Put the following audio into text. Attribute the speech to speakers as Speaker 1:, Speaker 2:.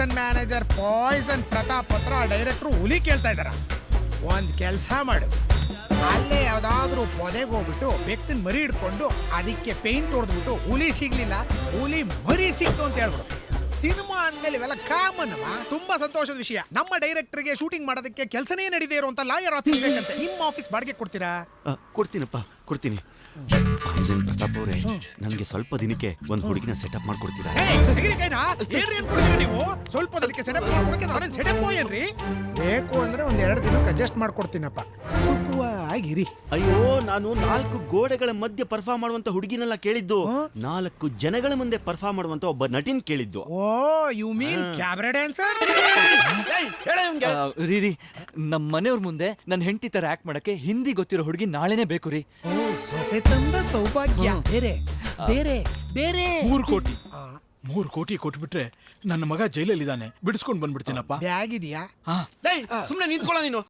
Speaker 1: Production manager Poisson Pratap ಹತ್ರ ಡೈರೆಕ್ಟ್ರು ಹುಲಿ ಕೇಳ್ತಾ ಇದಾರ. ಒಂದ್ ಕೆಲ್ಸ ಮಾಡು, ಅಲ್ಲೇ ಯಾವ್ದಾದ್ರು ಪೊದೆಗೆ ಹೋಗ್ಬಿಟ್ಟು ಬೆಕ್ಕಿನ ಮರಿ ಹಿಡ್ಕೊಂಡು ಅದಕ್ಕೆ ಪೇಂಟ್ ಹೊಡೆದ್ಬಿಟ್ಟು ಹುಲಿ ಸಿಗ್ಲಿಲ್ಲ, ಹುಲಿ ಮರಿ ಸಿಕ್ತು ಅಂತ ಹೇಳ್ಬಿಡು. ಸಿನಿಮಾ ಅಂದ್ಮೇಲೆ ಇವೆಲ್ಲ ಕಾಮನ್. ತುಂಬಾ ಸಂತೋಷದ ವಿಷಯ. ನಮ್ಮ ಡೈರೆಕ್ಟರ್ಗೆ ಶೂಟಿಂಗ್ ಮಾಡೋದಕ್ಕೆ ಕೆಲಸನೇ ನಡೀದೇ ಇರುವಂತ ಲಾಯರ್ ಆಫೀಸ್ ಬೇಕಂತೆ. ನಿಮ್ಮ ಆಫೀಸ್ ಬಾಡಿಗೆ ಕೊಡ್ತೀರಾ?
Speaker 2: ಕೊಡ್ತೀನಪ್ಪ, ಕೊಡ್ತೀನಿ. ಪಾಯ್ಸನ್ ಪ್ರತಾಪ್ ಅವರೇ, ನನಗೆ ಸ್ವಲ್ಪ ದಿನಕ್ಕೆ ಒಂದು ಹುಡುಗಿನ ಸೆಟಪ್ ಮಾಡ್ಕೊಡ್ತೀರಾ?
Speaker 1: ನೀವು ಸ್ವಲ್ಪ ದಿನಕ್ಕೆ ಸೆಟಪ್ ಮಾಡ್ಕೊಡಕ್ಕೆ ನಾನೇನು ಸೆಟಪ್ ಏನ್ರಿ? ಬೇಕು ಅಂದ್ರೆ ಒಂದ್ 2 ದಿನಕ್ಕೆ ಅಡ್ಜಸ್ಟ್ ಮಾಡ್ಕೊಡ್ತೀನಪ್ಪ, ಸುಖವಾಗಿರಿ.
Speaker 2: ಅಯ್ಯೋ, ನಾನು 4 ಗೋಡೆಗಳ ಮಧ್ಯೆ ಪರ್ಫಾರ್ಮ್ ಮಾಡುವಂತ ಹುಡುಗಿನೆಲ್ಲ ಕೇಳಿದ್ದು, 4 ಜನಗಳ ಮುಂದೆ ಪರ್ಫಾರ್ಮ್ ಮಾಡುವಂತ ಒಬ್ಬ ನಟಿನ್ ಕೇಳಿದ್ದು.
Speaker 1: Oh, you mean cabaret dancer?
Speaker 3: ರೀ, ನಮ್ಮ ಮನೆಯವ್ರ ಮುಂದೆ ನನ್ನ ಹೆಂಡತಿ ತರ ಆಕ್ಟ್ ಮಾಡಕ್ಕೆ ಹಿಂದಿ ಗೊತ್ತಿರೋ ಹುಡುಗಿ ನಾಳೆನೇ ಬೇಕು ರೀ.
Speaker 1: ಓ, ಸೊಸೆ ತಂದ ಸೌಭಾಗ್ಯ. ಬೇರೆ ಬೇರೆ ಬೇರೆ
Speaker 4: 3 ಕೋಟಿ ಕೊಟ್ಬಿಟ್ರೆ ನನ್ನ ಮಗ ಜೈಲಲ್ಲಿದ್ದಾನೆ, ಬಿಡಿಸ್ಕೊಂಡ್ ಬಂದ್ಬಿಡ್ತೀನಪ್ಪ.
Speaker 1: ಬ್ಯಾಗ್ ಇದೆಯಾ?
Speaker 2: ಸುಮ್ನೆ ನಿಂತ್ಕೊಳ್ಳ ನೀನು.